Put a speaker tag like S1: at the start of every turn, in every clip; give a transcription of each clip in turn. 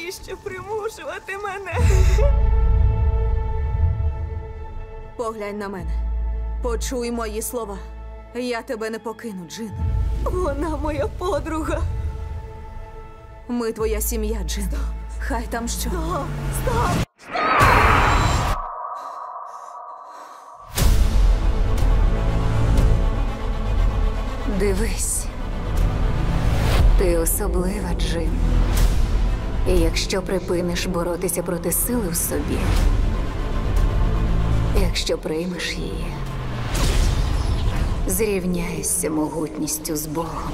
S1: Навіщо примушувати мене?
S2: Поглянь на мене. Почуй мої слова. Я тебе не покину, Джин.
S1: Вона моя подруга.
S2: Ми твоя сім'я, Джин. Хай там що.
S1: Стоп!
S3: Дивись. Ти особлива, Джин. І якщо припиниш боротися проти сили в собі, якщо приймеш її, зрівняєшся могутністю з Богом.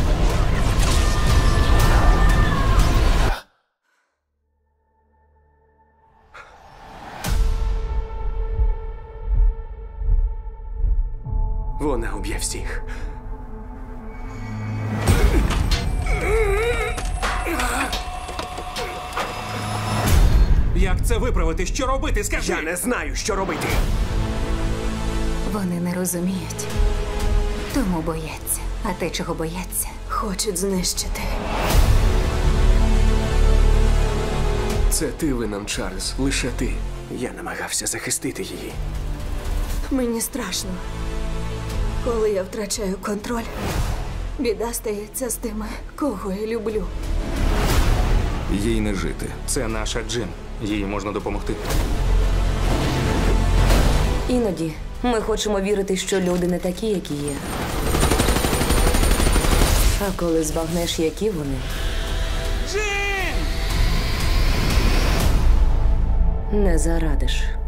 S4: Вона уб'є всіх.
S5: Як це виправити? Що робити? Скажи!
S4: Я не знаю, що робити.
S3: Вони не розуміють, тому бояться. А те, чого бояться,
S1: Хочуть знищити.
S4: Це ти винен, Чарльз. Лише ти. Я намагався захистити її.
S1: Мені страшно. Коли я втрачаю контроль, біда стається з тими, кого я люблю.
S6: Їй не жити.
S5: Це наша Джин. Їй можна допомогти.
S7: Іноді ми хочемо вірити, що люди не такі, які є. А коли збагнеш, які вони,
S5: Джин!
S7: не зарадиш.